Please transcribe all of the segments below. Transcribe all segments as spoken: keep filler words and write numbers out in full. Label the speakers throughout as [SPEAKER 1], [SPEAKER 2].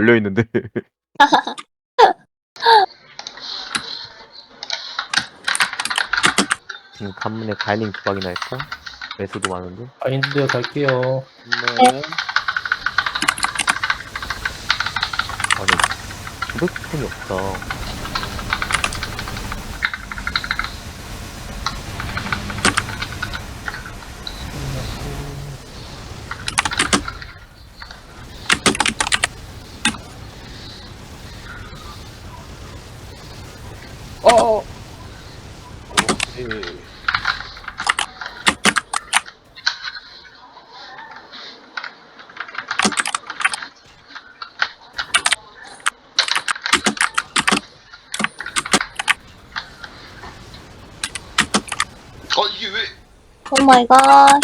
[SPEAKER 1] 걸려있는데. 지금 간문에 가이닝 두 방이나 할까? 매수도 많은데.
[SPEAKER 2] 바인드 갈게요.
[SPEAKER 3] 네.
[SPEAKER 1] 아니, 구백 톤이 없다.
[SPEAKER 3] 어. 오케이.
[SPEAKER 4] 어 이게 왜?
[SPEAKER 5] 오 마이 갓.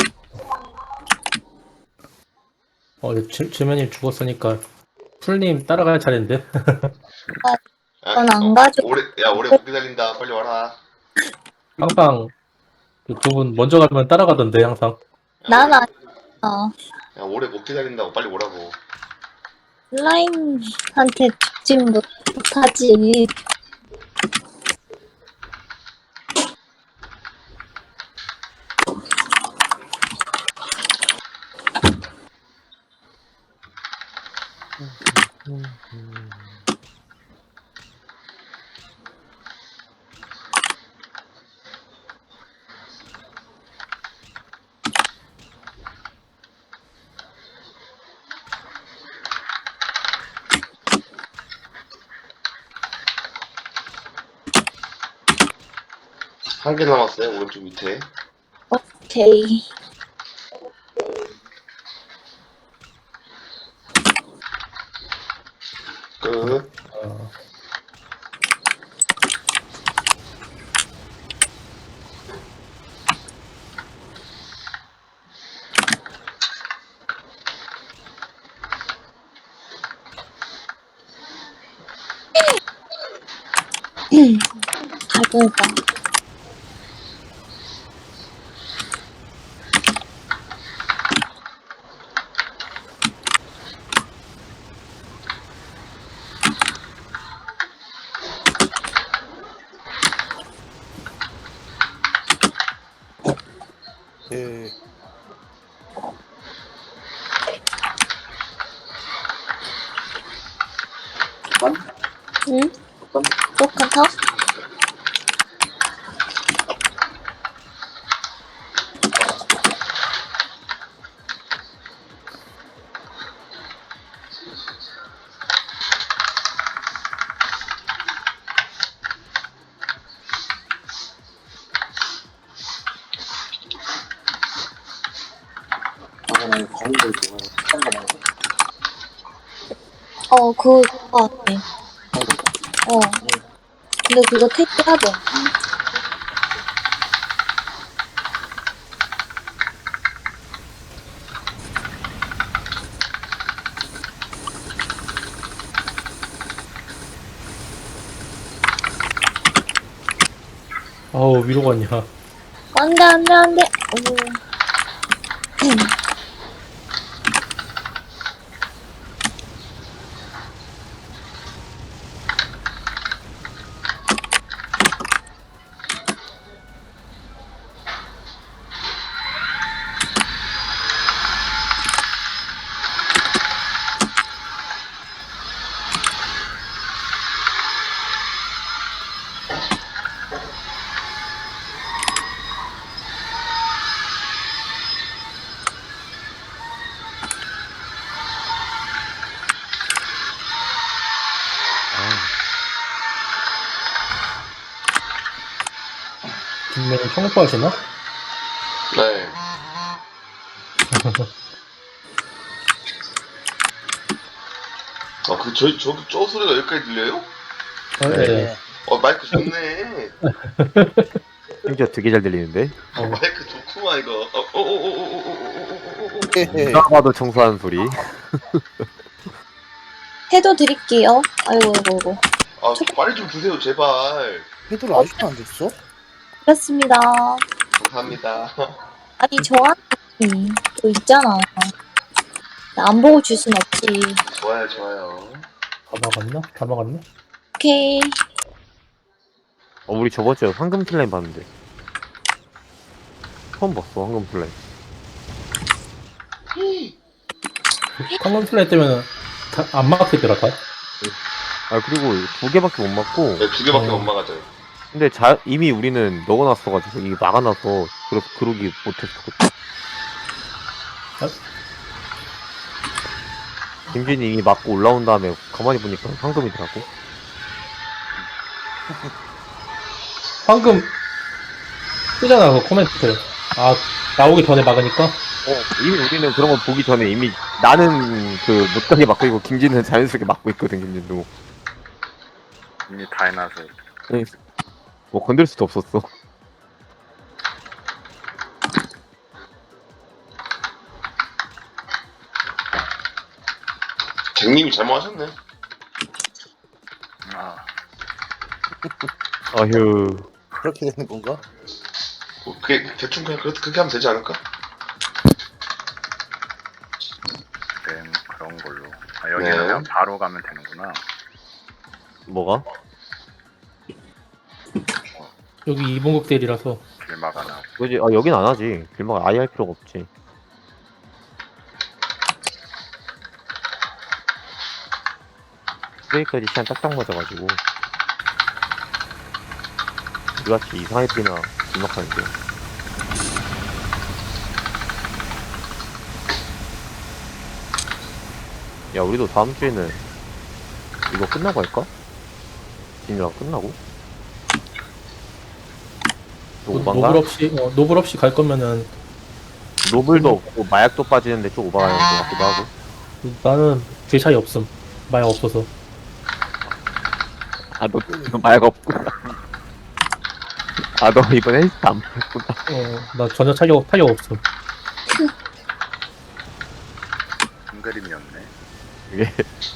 [SPEAKER 2] 어, 지- 지면님 죽었으니까 풀님 따라갈 차례인데.
[SPEAKER 5] 전 안 가져.
[SPEAKER 4] 오래 야 오래 못 기다린다. 빨리 와라.
[SPEAKER 2] 항상 두 분 먼저 가면 따라가던데 항상.
[SPEAKER 4] 야,
[SPEAKER 5] 난
[SPEAKER 4] 오래-
[SPEAKER 5] 아니야.
[SPEAKER 4] 야 오래 못 기다린다고 빨리 오라고.
[SPEAKER 5] 슬라임한테 죽지 못하지.
[SPEAKER 4] 한 개 남았어요 오른쪽 밑에.
[SPEAKER 5] 오케이.
[SPEAKER 4] 끝.
[SPEAKER 2] 어,
[SPEAKER 5] 잘 보니까.
[SPEAKER 3] 예.
[SPEAKER 5] 응? 똑같아?
[SPEAKER 3] 아, 나 이거 가는 거 좋아해. 딴거 말고.
[SPEAKER 5] 어, 그거 같아. 어. 근데 그거 택해야 돼.
[SPEAKER 2] 아우 위로 갔냐.
[SPEAKER 5] 안 돼, 안 돼, 안 돼. 오.
[SPEAKER 2] 김면님 청포 하시나?
[SPEAKER 4] 네. 아그 저희 저기 저 소리가 여기까지 들려요?
[SPEAKER 2] 어, 네.
[SPEAKER 4] 어 마이크 좋네.
[SPEAKER 1] 심지어 되게 잘 들리는데.
[SPEAKER 4] 어, 마이크 좋구만 이거. 어, 어어어어어어어어어어어.
[SPEAKER 3] 예.
[SPEAKER 1] 누가 봐도 청소하는 소리.
[SPEAKER 5] 해도 드릴게요. 아이고, 아이고, 아이고.
[SPEAKER 4] 아 빨리 좀 주세요 제발.
[SPEAKER 3] 헤드를 아직도 안 줬어?
[SPEAKER 5] 그렇습니다.
[SPEAKER 4] 감사합니다.
[SPEAKER 5] 아니, 저한테 또 있잖아. 나 안 보고 줄 순 없지.
[SPEAKER 4] 좋아요 좋아요.
[SPEAKER 2] 막았나? 다 막았나?
[SPEAKER 5] 오케이.
[SPEAKER 1] 어, 우리 저번 주에 황금 슬라임 봤는데. 처음 봤어, 황금 슬라임.
[SPEAKER 2] 황금 슬라임 때문에 다 안 막히더라고.
[SPEAKER 1] 아, 그리고 두 개밖에 못 맞고.
[SPEAKER 4] 네, 두 개밖에
[SPEAKER 2] 어.
[SPEAKER 4] 못 막아져요.
[SPEAKER 1] 근데 자, 이미 우리는 넣어놨어가지고, 이게 막아놔서, 그래서 그러기 못했었거든.
[SPEAKER 2] 아?
[SPEAKER 1] 김진이 이미 맞고 올라온 다음에 가만히 보니까 황금이더라고.
[SPEAKER 2] 황금 뜨잖아 그 코멘트. 아 나오기 전에 막으니까.
[SPEAKER 1] 어, 이미 우리는 그런 거 보기 전에 이미 나는 그 못하게 막고 있고, 김진은 자연스럽게 막고 있거든, 김진도.
[SPEAKER 6] 이미 다 해놔서
[SPEAKER 1] 뭐 건들 수도 없었어.
[SPEAKER 4] 갱님이 잘못하셨네.
[SPEAKER 6] 아
[SPEAKER 1] 아휴.
[SPEAKER 3] 그렇게 되는 건가?
[SPEAKER 4] 뭐 그게 대충 그냥 그렇게, 그렇게 하면 되지 않을까?
[SPEAKER 6] 네, 그런 걸로. 아, 여기는
[SPEAKER 4] 네.
[SPEAKER 6] 그냥 바로 가면 되는구나.
[SPEAKER 1] 뭐가?
[SPEAKER 2] 여기 이분국 대리라서.
[SPEAKER 6] 길막 하나.
[SPEAKER 1] 그지? 아, 여긴 안 하지. 길막 아예 할 필요가 없지. 브레이크까지 시간 딱딱 맞아가지고. 우리같이 이상하게 뛰나 길막하는데. 야, 우리도 다음 주에는 이거 끝나고 할까? 진이랑 끝나고? 또
[SPEAKER 2] 노-
[SPEAKER 1] 오반가?
[SPEAKER 2] 노블 없이 어, 노블 없이 갈 거면은
[SPEAKER 1] 노블도 없고 마약도 빠지는데 좀 오바가는 것 같기도 하고.
[SPEAKER 2] 나는 질 차이 없음. 마약 없어서.
[SPEAKER 1] 아, 너, 너 마약 없구나. 아, 너 이번에 헬스 안 했구나.
[SPEAKER 2] 어나 전혀 차이 없 차이 없음.
[SPEAKER 6] 큰 그림이었네.
[SPEAKER 1] 이게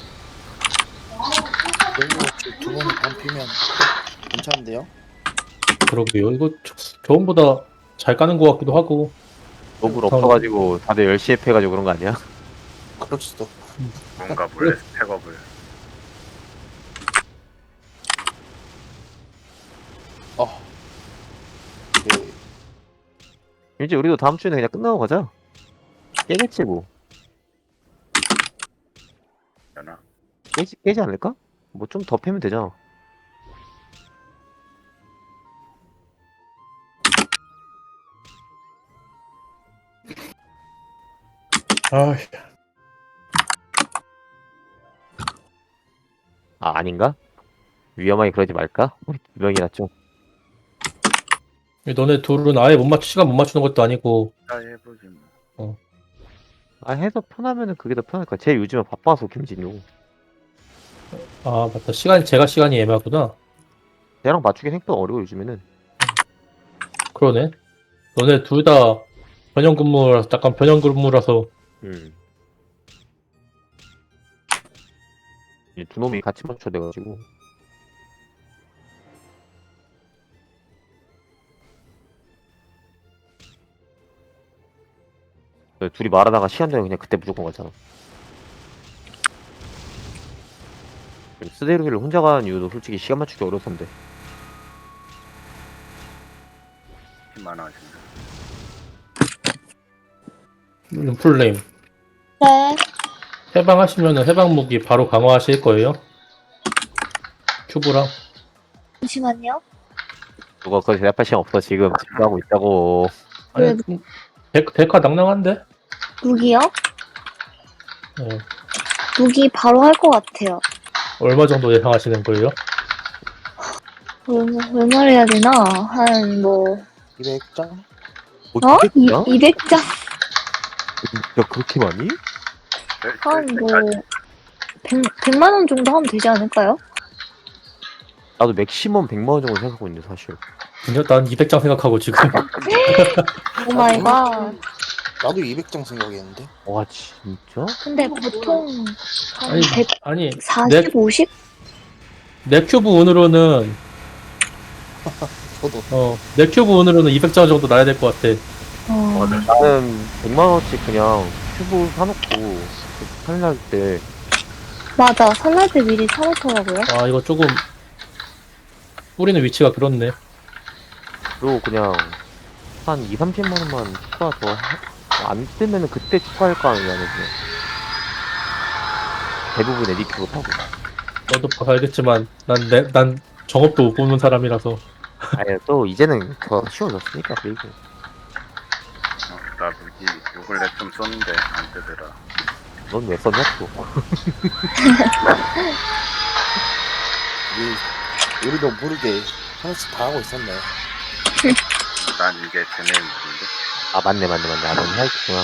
[SPEAKER 3] 두 번을 반 피면 괜찮은데요?
[SPEAKER 2] 그러게요. 이거 저번보다 잘 까는 것 같기도 하고.
[SPEAKER 1] 노블 없어가지고 다들 열심히 해가지고 그런 거 아니야?
[SPEAKER 3] 그럴 수도.
[SPEAKER 6] 뭔가 몰래 스펙업을.
[SPEAKER 3] 어. 네.
[SPEAKER 1] 이제 우리도 다음 주에는 그냥 끝나고 가자. 깨겠지 뭐.
[SPEAKER 6] 되나?
[SPEAKER 1] 깨지, 깨지 않을까? 뭐 좀 더 패면 되잖아.
[SPEAKER 2] 아
[SPEAKER 1] 아, 아닌가? 위험하게 그러지 말까? 우리 두 명이나 좀.
[SPEAKER 2] 너네 둘은 아예 못 맞추 시간 못 맞추는 것도 아니고.
[SPEAKER 6] 아 해보지 뭐.
[SPEAKER 1] 아, 해서 편하면은 그게 더 편할 거야. 쟤 요즘에 바빠서, 김진우.
[SPEAKER 2] 아 맞다. 시간 제가 시간이 애매하구나.
[SPEAKER 1] 쟤랑 맞추기 생각보다 어려워, 요즘에는.
[SPEAKER 2] 그러네. 너네 둘 다 변형 근무라서 약간 변형 근무라서.
[SPEAKER 1] 음. 이제 두 놈이 같이 맞춰야 돼가지고. 둘이 말하다가 시간 되면 그냥 그때 무조건 가잖아. 스데르를 혼자 가는 이유도 솔직히 시간 맞추기 어려서인데.
[SPEAKER 6] 힘 많아진다.
[SPEAKER 2] 룸플레임
[SPEAKER 5] 네.
[SPEAKER 2] 해방하시면은 해방 무기 바로 강화하실 거예요? 큐브랑.
[SPEAKER 5] 잠시만요.
[SPEAKER 1] 누가 그거 대답할 시간 없어, 지금. 지금 하고 있다고.
[SPEAKER 2] 아니, 데, 데카 낭낭한데?
[SPEAKER 5] 무기요?
[SPEAKER 2] 네.
[SPEAKER 5] 무기 바로 할 것 같아요.
[SPEAKER 2] 얼마 정도 예상하시는 거예요?
[SPEAKER 5] 얼마, 얼마를 해야 되나? 한, 뭐,
[SPEAKER 3] 이백 장?
[SPEAKER 1] 뭐,
[SPEAKER 5] 어? 이,
[SPEAKER 1] 야
[SPEAKER 5] 이백 장?
[SPEAKER 1] 진짜 그렇게 많이?
[SPEAKER 5] 한, 뭐, 백, 백만 원 정도 하면 되지 않을까요?
[SPEAKER 1] 나도 맥시멈 백만 원 정도 생각하고 있는데, 사실.
[SPEAKER 2] 진짜 난 이백 장 생각하고 지금.
[SPEAKER 5] 오 마이 갓.
[SPEAKER 3] 나도 이백 장 생각했는데.
[SPEAKER 1] 와, 진짜?
[SPEAKER 5] 근데 보통, 한
[SPEAKER 2] 아니, 아니,
[SPEAKER 5] 백사십, 오십?
[SPEAKER 2] 내 큐브 운으로는,
[SPEAKER 3] 저도.
[SPEAKER 2] 어, 내 큐브 운으로는 이백 장 정도 나야 될 것 같아.
[SPEAKER 5] 어,
[SPEAKER 1] 나는 백만 원씩 그냥 큐브 사놓고, 할날 때,
[SPEAKER 5] 맞아. 설날 때 미리 사놓더라고요.
[SPEAKER 2] 아 이거 조금 뿌리는 위치가 그렇네.
[SPEAKER 1] 그리고 그냥 한 이, 삼십만 원만 추가 더 안 뜨면은 그때 추가할 거 아니야, 그냥. 대부분 에디큐브 타고.
[SPEAKER 2] 너도 봐서 알겠지만 난 내 난 정업도 못 보는 사람이라서.
[SPEAKER 1] 아니, 또 이제는 더 쉬워졌으니까, 그리고.
[SPEAKER 6] 어, 나 무기 요글렛 좀 썼는데 안 뜨더라.
[SPEAKER 1] 넌 왜 썼냐, 또.
[SPEAKER 3] 우리, 우리도 모르게 하나씩 다 하고 있었네.
[SPEAKER 6] 난 이게 쟤네 무기인데.
[SPEAKER 1] 아, 맞네, 맞네, 맞네. 아, 넌 해야겠구나.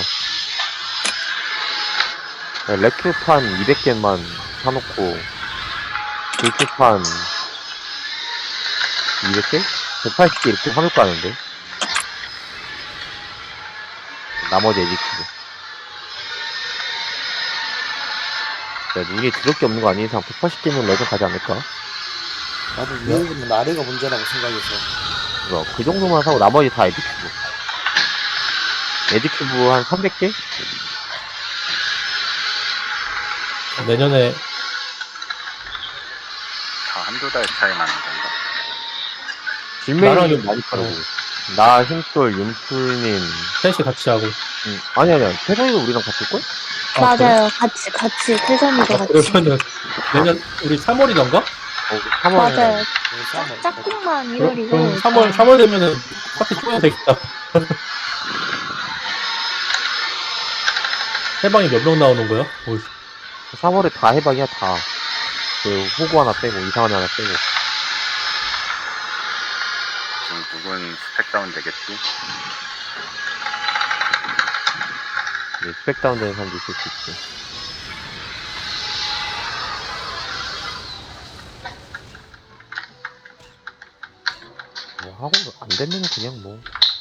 [SPEAKER 1] 레큐판 이백 개만 사놓고, 불큐판 이백 개? 백팔십 개 이렇게 사놓고 하는데. 나머지 에디큐브. 야, 눈이 드럽게 없는 거 아닌 이상 백팔십 개면 레전 가지 않을까?
[SPEAKER 3] 나도 위에 있는 아래가 문제라고 생각해서.
[SPEAKER 1] 그거, 그 정도만 사고 나머지 다 에디큐브. 에디큐브 한 삼백 개?
[SPEAKER 2] 내년에
[SPEAKER 6] 다 한두 달 차이 나는 건가?
[SPEAKER 1] 질매이
[SPEAKER 2] 나랑
[SPEAKER 1] 많이 빠르고. 나, 힘돌, 윤풀님.
[SPEAKER 2] 셋이 같이 하고.
[SPEAKER 1] 응. 아니, 아니야. 태성이도 우리랑 같을걸?
[SPEAKER 2] 아, 그래?
[SPEAKER 5] 맞아요. 같이, 같이. 태산이도
[SPEAKER 2] 아,
[SPEAKER 5] 같이.
[SPEAKER 2] 그러면은 내년 우리 삼월이던가?
[SPEAKER 1] 어, 삼월에.
[SPEAKER 5] 맞아요.
[SPEAKER 3] 네, 싸움을
[SPEAKER 5] 짝, 짝꿍만
[SPEAKER 2] 그럼,
[SPEAKER 5] 이월이고.
[SPEAKER 2] 그럼 삼월 삼월 되면은 파티 쪼야 되겠다. 해방이 몇 명 나오는 거야? 어이,
[SPEAKER 1] 삼월에 다 해방이야, 다. 그, 호구 하나 빼고, 이상한 하나 빼고.
[SPEAKER 6] 지금 누군 스펙 다운 되겠지?
[SPEAKER 1] 네, 스펙 다운되는 사람도 있을 수 있지. 뭐, 하고, 안 되면 그냥 뭐.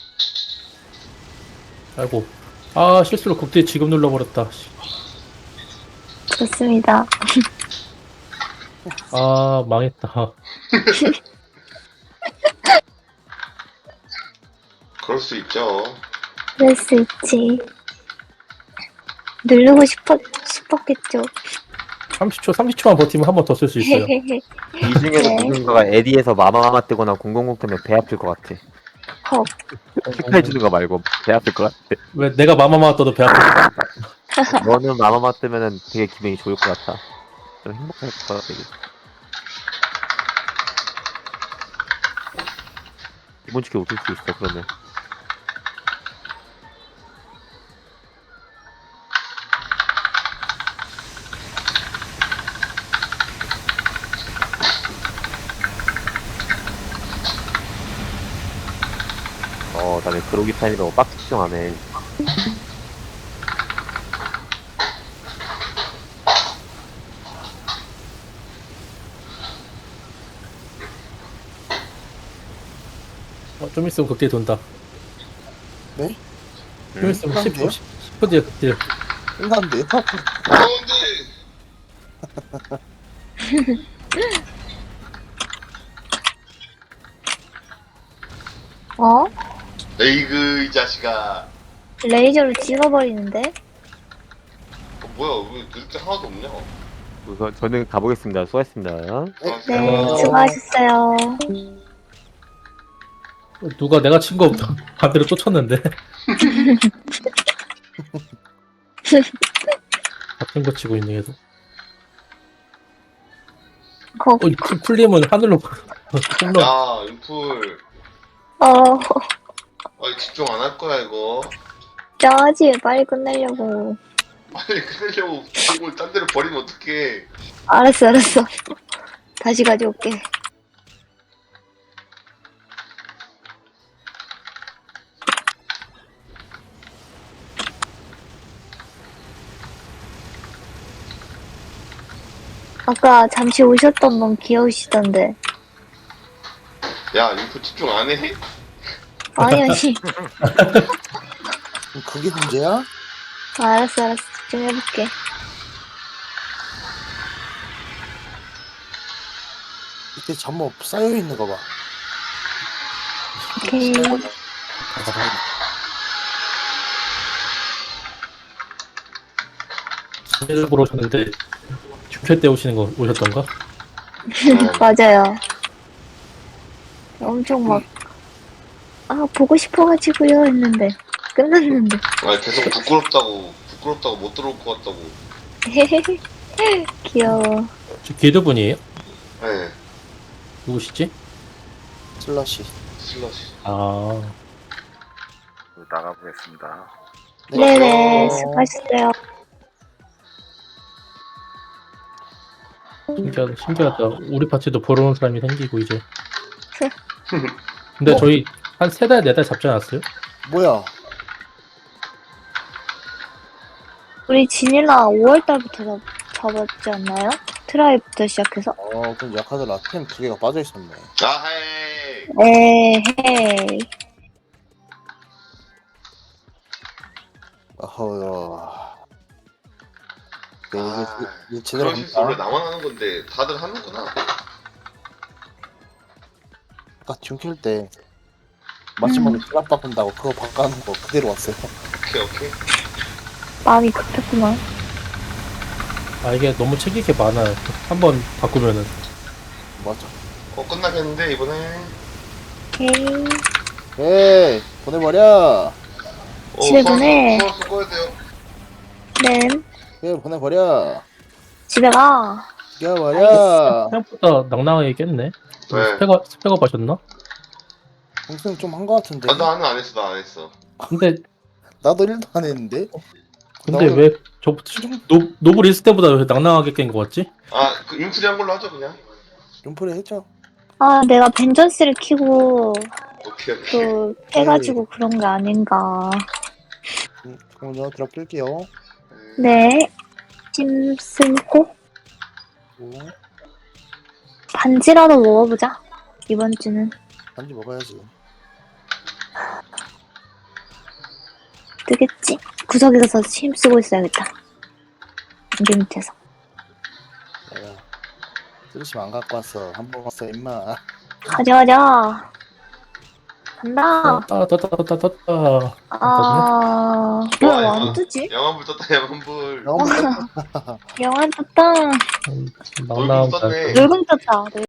[SPEAKER 2] 아이고. 아 실수로 극대 지금 눌러버렸다. 씨.
[SPEAKER 5] 좋습니다.
[SPEAKER 2] 아 망했다.
[SPEAKER 4] 그럴 수 있죠.
[SPEAKER 5] 그럴 수 있지. 누르고 싶었, 싶었겠죠.
[SPEAKER 2] 삼십 초 삼십 초만 버티면 한 번 더 쓸 수 있어요.
[SPEAKER 1] 이 중에서
[SPEAKER 5] 네.
[SPEAKER 1] 누군가가 에디에서 마마마마 뜨거나 공공공 뜨면 배 아플 것 같아.
[SPEAKER 5] 헉.
[SPEAKER 1] 축하해주는 거 말고 배 아플 것 같아.
[SPEAKER 2] 왜 내가 마마마 떠도 배 아프지?
[SPEAKER 1] 너는 마마마 뜨면은 되게 기분이 좋을 것 같아. 좀 행복할 것 같아, 되게. 이번 주에 웃을 수 있어, 그러면. 어, 다음에 그로기 타임이라고 빡 특정하네.
[SPEAKER 2] 어, 좀 있으면 극대 돈다.
[SPEAKER 3] 네?
[SPEAKER 2] 좀 있으면 십 분
[SPEAKER 3] 그런데요?
[SPEAKER 2] 십 분 뒤에 극대.
[SPEAKER 3] 끝난데요?
[SPEAKER 4] 그런데
[SPEAKER 5] 어?
[SPEAKER 4] 에이그 이 자식아.
[SPEAKER 5] 레이저로 찍어버리는데?
[SPEAKER 4] 어, 뭐야 왜 그렇게 하나도 없냐?
[SPEAKER 1] 우선 저는 가보겠습니다. 수고하셨습니다.
[SPEAKER 5] 네,
[SPEAKER 2] 어.
[SPEAKER 5] 수고하셨어요.
[SPEAKER 2] 누가 내가 친 거 반대로 또 쳤는데. 같은 거 치고 있네 계속.
[SPEAKER 5] 거,
[SPEAKER 2] 어, 이 쿨- 쿨림은 하늘로 홈런.
[SPEAKER 4] 야 인풀.
[SPEAKER 5] 어,
[SPEAKER 4] 아 집중 안 할 거야 이거.
[SPEAKER 5] 짜지, 빨리 끝내려고.
[SPEAKER 4] 빨리 끝내려고 공을 딴 데로 버리면 어떡해.
[SPEAKER 5] 알았어, 알았어. 다시 가져올게. 아까 잠시 오셨던 분 귀여우시던데.
[SPEAKER 4] 야 인풀 집중 안 해?
[SPEAKER 5] 아니, 아니.
[SPEAKER 3] 그게 문제야?
[SPEAKER 5] 알았어, 알았어. 집중해볼게.
[SPEAKER 3] 이때 잠못 쌓여있는 거 봐.
[SPEAKER 5] 오케이.
[SPEAKER 2] 일부러 쳤는데 중퇴 때 오시는 거 오셨던가?
[SPEAKER 5] 맞아요. 엄청 막, 아, 보고 싶어가지고요 했는데, 끝났는데.
[SPEAKER 4] 아 계속 부끄럽다고 부끄럽다고 못 들어올 것 같다고.
[SPEAKER 5] 귀여워.
[SPEAKER 2] 저 기드분이에요?
[SPEAKER 4] 네.
[SPEAKER 2] 누구시지?
[SPEAKER 3] 슬러시.
[SPEAKER 4] 슬러시.
[SPEAKER 2] 아,
[SPEAKER 6] 나가보겠습니다.
[SPEAKER 5] 네네, 수고하셨어요.
[SPEAKER 2] 신기하다, 신기하다. 우리 파티도 보러 온 사람이 생기고, 이제. 근데 저희 한 세 달, 네 달 잡지 않았어요?
[SPEAKER 3] 뭐야?
[SPEAKER 5] 우리 지닐라 오월달부터 잡, 잡았지 않나요? 트라이부터 시작해서?
[SPEAKER 3] 어, 그럼 약하더라. 템 두 개가 빠져 있었네.
[SPEAKER 4] 아 헤이.
[SPEAKER 5] 에헤이.
[SPEAKER 3] 어허. 네, 이게,
[SPEAKER 4] 아,
[SPEAKER 3] 이게 제대로
[SPEAKER 4] 그런 실수 원래
[SPEAKER 3] 합니다.
[SPEAKER 4] 나만 하는 건데 다들 하는구나.
[SPEAKER 3] 아까 jun킬 때 마지막에
[SPEAKER 5] 음.
[SPEAKER 3] 트랍 바꾼다고 그거 바꿔놓은 거 그대로 왔어요.
[SPEAKER 4] 오케이 오케이.
[SPEAKER 5] 마음이 급했구만.
[SPEAKER 2] 아, 이게 너무 책 있게 많아요. 한 번 바꾸면은.
[SPEAKER 3] 맞아.
[SPEAKER 4] 어 끝나겠는데 이번에.
[SPEAKER 5] 오케이.
[SPEAKER 3] 에이, 보내버려.
[SPEAKER 4] 어,
[SPEAKER 5] 집에
[SPEAKER 4] 수학-
[SPEAKER 5] 보내.
[SPEAKER 4] 수학 써 꺼야 돼요.
[SPEAKER 5] 네.
[SPEAKER 3] 에이, 보내버려.
[SPEAKER 5] 집에 가.
[SPEAKER 3] 죽여버려.
[SPEAKER 2] 생각보다 낭낭하게 깼네.
[SPEAKER 4] 네.
[SPEAKER 2] 스펙업, 스펙업 하셨나?
[SPEAKER 3] 동생 좀 한 거 같은데.
[SPEAKER 4] 아, 나는 안 했어 나 안 했어.
[SPEAKER 2] 근데,
[SPEAKER 3] 나도 일도 안 했는데.
[SPEAKER 2] 근데
[SPEAKER 3] 나 오늘
[SPEAKER 2] 왜, 저, 노, 노블 있을 때보다 왜 낭낭하게 깬 거 같지?
[SPEAKER 4] 아그 융투리 한 걸로 하죠 그냥.
[SPEAKER 3] 룸플에 했죠.
[SPEAKER 5] 아, 내가 벤전스를 키고
[SPEAKER 4] 오케이 오케이.
[SPEAKER 5] 또 해가지고 그런 게 아닌가.
[SPEAKER 3] 음, 잠깐만요. 드랍 뜰게요.
[SPEAKER 5] 네. 심승호?
[SPEAKER 3] 오,
[SPEAKER 5] 반지라도 먹어보자. 이번 주는.
[SPEAKER 3] 반지 먹어야지.
[SPEAKER 5] 뜨겠지? 구석에 가서 힘쓰고 있어야겠다. 여기 밑에서.
[SPEAKER 3] 내가 쓰시면 안 갖고 왔어. 한 번 왔어, 임마.
[SPEAKER 5] 가자, 가자. 간다.
[SPEAKER 2] 떴다, 떴다, 떴다, 떴다.
[SPEAKER 5] 아, 뭐야, 왜안
[SPEAKER 4] 영화.
[SPEAKER 5] 뜨지?
[SPEAKER 4] 영화불 떴다 영화불.
[SPEAKER 3] 영어
[SPEAKER 5] 영화 떴다.
[SPEAKER 2] 음,
[SPEAKER 4] 얼굴
[SPEAKER 2] 낭낭
[SPEAKER 4] 떴네.
[SPEAKER 5] 놀금 떴다.